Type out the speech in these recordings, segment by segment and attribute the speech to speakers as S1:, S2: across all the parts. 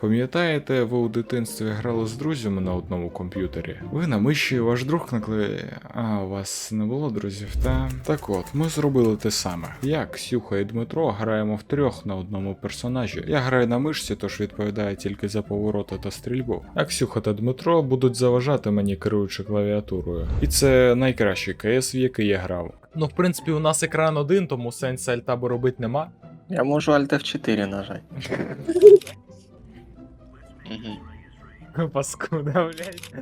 S1: Пам'ятаєте, ви у дитинстві грали з друзями на одному комп'ютері? Ви на миші, ваш друг на клавіатурі. А у вас не було друзів, та? Так от, ми зробили те саме. Я, Ксюха і Дмитро граємо втрьох на одному персонажі. Я граю на мишці, тож відповідаю тільки за повороти та стрільбу. А Ксюха та Дмитро будуть заважати мені, керуючи клавіатурою. І це найкращий КС, в який я грав.
S2: Ну, в принципі, у нас екран один, тому сенсу альтабу робити нема.
S3: Я можу Alt F4 нажати.
S2: Паскуда, блядь.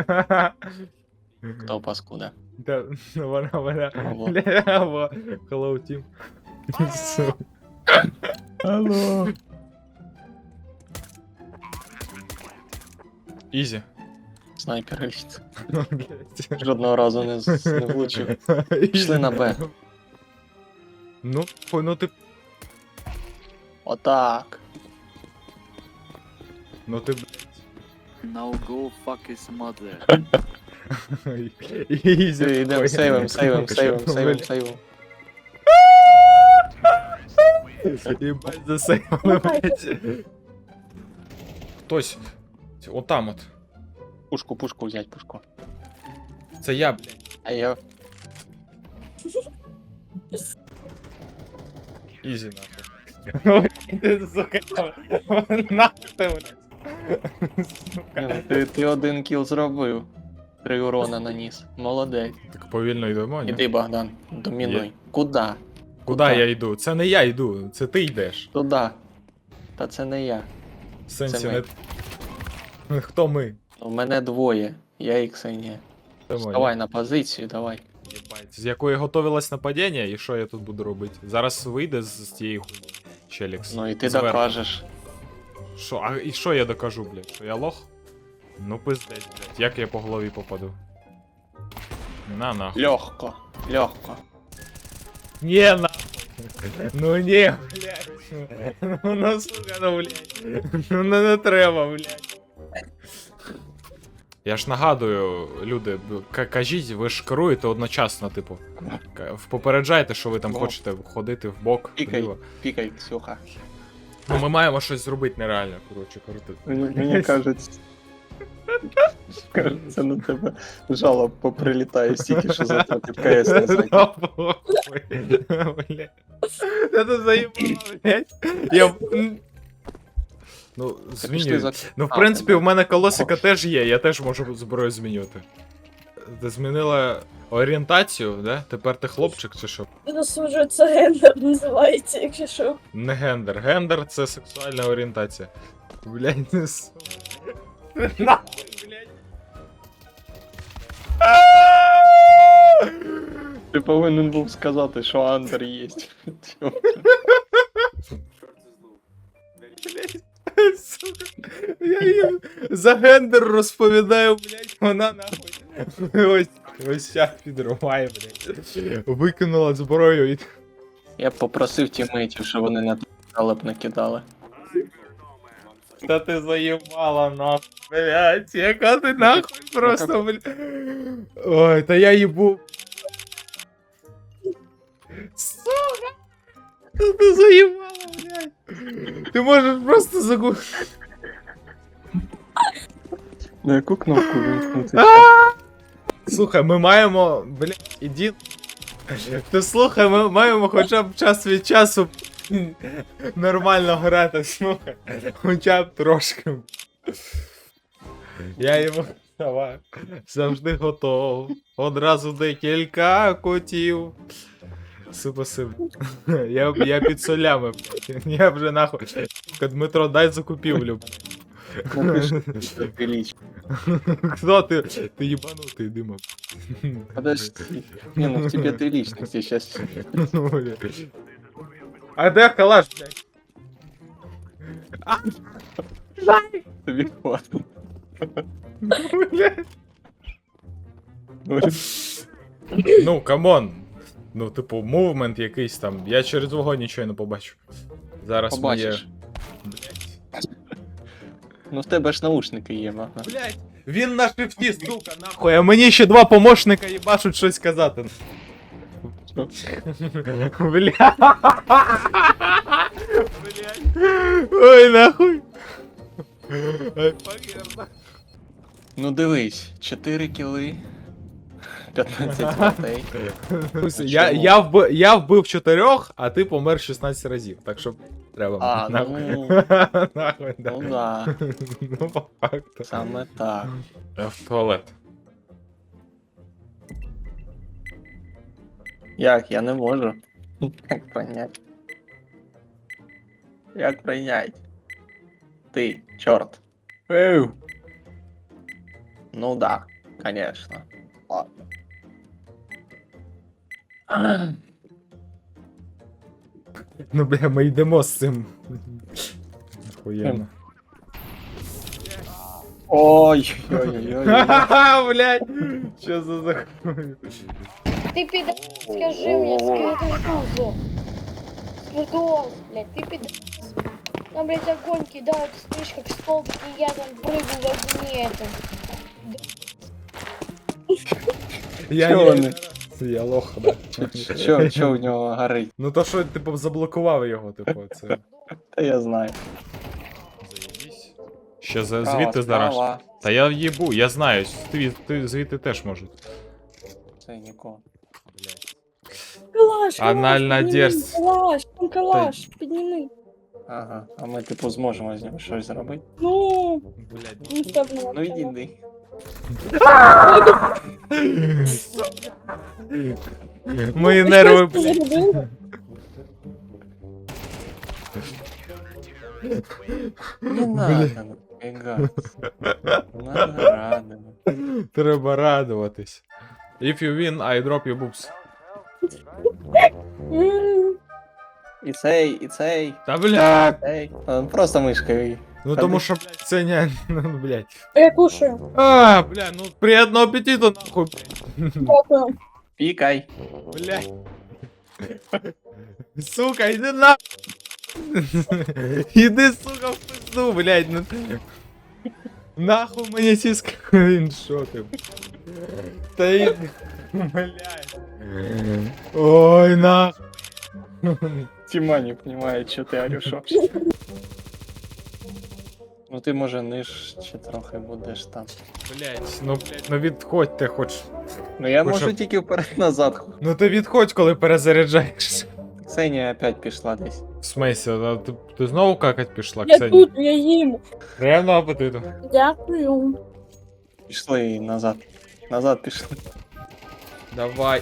S3: Хто паскуда?
S2: Да, вона,
S3: Алло.
S2: бля, hello, team. Сука.
S3: Алло.
S2: Ізі.
S3: Снайпер літ.
S2: Блядь.
S3: Жодного разу не влучив. Пішли на Б.
S2: Ну, ну ти,
S3: Отак.
S2: ну ти,
S4: Now go fuck his mother.
S2: Ізі.
S3: Йдемо, сейвим.
S2: Єбать засейвали, блядь. Хтось. Отам от.
S3: Пушку взять, пушку.
S2: Це я, блядь.
S3: А я...
S2: Ізі, нахуй. Ти, сука, нахуй ти, блядь. Сука.
S3: Ти один кіл зробив. 3 урона наніс. Молодець.
S2: Так повільно йдемо, ні?
S3: Іди, Богдан, домінуй. Куда?
S2: Куди я йду? Це не я йду, це ти йдеш.
S3: Туда. Та це не я.
S2: В сенсі
S3: Це
S2: не... Хто ми?
S3: У мене двоє. Я і Ксенія.
S2: Це ми.
S3: Вставай на позицію, давай.
S2: Єбать. З якої готовилось нападіння, і що я тут буду робити? Зараз вийде з тієї хуйні Челікс.
S3: Ну і ти
S2: Зверху.
S3: докажеш.
S2: Що? А і що я докажу, блядь? Що я лох? Ну пиздець, блядь. Як я по голові попаду? На нахуй.
S3: Легко.
S2: Не нахуй. Ну не, блядь. Ну сука, ну блядь. Ну не треба, блядь. Я ж нагадую, люди, кажіть, ви ж керуєте одночасно, типу. Попереджайте, що ви там
S3: Ну.
S2: хочете ходити в бок, вліво.
S3: Пікай, Ксюха.
S2: Ну ми маємо щось зробити нереально, коротше, крути.
S3: Мені кажеться. Кажеться, на тебе жалоб поприлітає стільки, що за під КС не зайде.
S2: Блядь. Та ти заїбала, блядь. Я... Ну, змінюю. Ну, в принципі, в мене колосика теж є, я теж можу зброю змінювати. Ти змінила орієнтацію, да? Тепер ти хлопчик чи що?
S5: Засуджую, це гендер називається, якщо що.
S2: Не гендер. Гендер це сексуальна орієнтація. Блядь, не сука. Нахуй, блядь.
S3: Ти повинен був сказати, що Андер є.
S2: Сука. Я їм за гендер розповідаю, блядь, вона нахуй. Ось щас підриває, блядь. Викинула зброю і...
S3: Я б попросив тімейтів, щоб вони на жалоб накидали.
S2: Та ти заїбала нахуй, блядь, яка ти нахуй просто, блядь. Ой, та я їбу. Сука! Та ти заїбала, блядь. Ти можеш просто загубити.
S3: На яку кнопку вимкнути?
S2: Слухай, ми маємо, блядь, іди. Ти слухай, ми маємо хоча б час від часу нормально грати, слухай. Хоча б трошки. Я йому давай, завжди готов. Одразу декілька котів. Спасибо. Я під солями. Я вже нахуй. Дмитро, дай закупівлю.
S3: Велич.
S2: Хто ти? Ти їбанутий, Дима.
S3: Подожди. Не, ну в тебе ты личность, я сейчас...
S2: Ну, бля. А де калаш, блядь?
S3: Тобі хватит.
S2: Блядь. Ну, камон. Ну, типу, мувмент якийсь там. Я через вогонь нічого не побачу. Зараз
S3: Побачиш.
S2: Блядь.
S3: Ну в тебе ж наушники є, ага.
S2: Блядь, він на шифті, сука, нахуй. А мені ще два помощника їбашуть щось казати.
S3: Що?
S2: Бля. Блядь. Ой, нахуй.
S3: Ну дивись, 4 кіли, 15 смертей.
S2: Я вбив 4, а ти помер 16 разів, так що треба.
S3: А,
S2: нахуй.
S3: ну,
S2: Нахуй, да.
S3: ну да,
S2: Ну, по факту.
S3: саме так.
S2: Я в туалет.
S3: Як, я не можу. Як прийняти? Як прийняти? Ти, чорт. Еу. Ну да, конечно. Ладно.
S2: Ну, бля, ми йдемо з цим. Охуєнно.
S3: Ой, ой-ой-ой.
S2: Ха-ха, блядь! Що за захуй?
S6: Ты пидор, скажи мне, скажи. Придон, блядь, ты пидор. Нам, блядь, огонь кидают, слышь, как столбик, и я там прыгаю в огне этом.
S2: Я
S3: Чого вони?
S2: Я лох, да.
S3: Що в нього горить?
S2: Ну то що, типу, заблокував його, типу, це.
S3: Та я знаю.
S2: Ще
S3: Справа,
S2: звідти зараз.
S3: справа.
S2: Та я їбу, я знаю, ти звідти теж можуть.
S3: Це нікого.
S5: Калаш,
S2: Анальна
S5: підніми,
S2: дерзь.
S5: Калаш, там калаш, підніми.
S3: Ага, а ми типу зможемо з ним щось зробити.
S5: Ну,
S2: Блядь.
S5: ну стоп, ну,
S3: Ну йди.
S2: Мої нерви,
S5: Ти
S2: блядь.
S5: зробив?
S3: Не надо напрягаться. Надо радоваться.
S2: Треба радуватись. If you win, I drop you boobs.
S5: М,
S3: І цей.
S2: Та блядь!
S3: Цей. Просто мишкою.
S2: Ну тому що, блядь, це не, ну, блядь.
S5: Я кушаю.
S2: А, бля, ну приятного аппетита, нахуй,
S5: Дякую.
S3: Пікай.
S2: блядь. Сука, иди на... Иди, сука, в пизду, блядь, ну... Нахуй мені сіска, він шо ти? Та й... Блядь. Ой, нахуй.
S3: Тіма не розуміє, що ти орюшо. Ну ти може нижче трохи будеш там.
S2: Блядь, ну відходь хоч.
S3: Ну я
S2: Ви
S3: можу
S2: що?
S3: тільки вперед-назад.
S2: Ну ти відходь, коли перезаряджаєшся.
S3: Ксенія опять пішла десь.
S2: В смысле, а ти знову какать пішла,
S5: Я
S2: Ксенія?
S5: тут, я їм.
S2: Приємного апетиту.
S5: Дякую.
S3: Пішли назад. Назад пішли.
S2: Давай.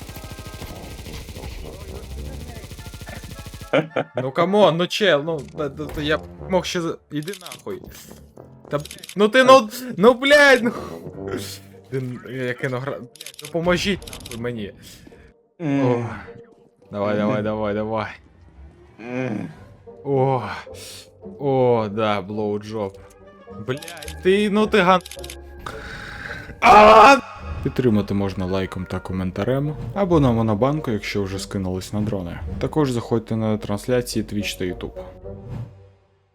S2: Ну камон, ну чел, ну я мог ще іди нахуй. Та ну ти ну блядь, ну. Я кину блядь, ну поможіть нахуй мені. О. Давай. О, да, блоуджоп. Блядь, ти ган.
S1: Підтримати можна лайком та коментарем, або на монобанку, якщо вже скинулись на дрони. Також заходьте на трансляції Twitch та YouTube.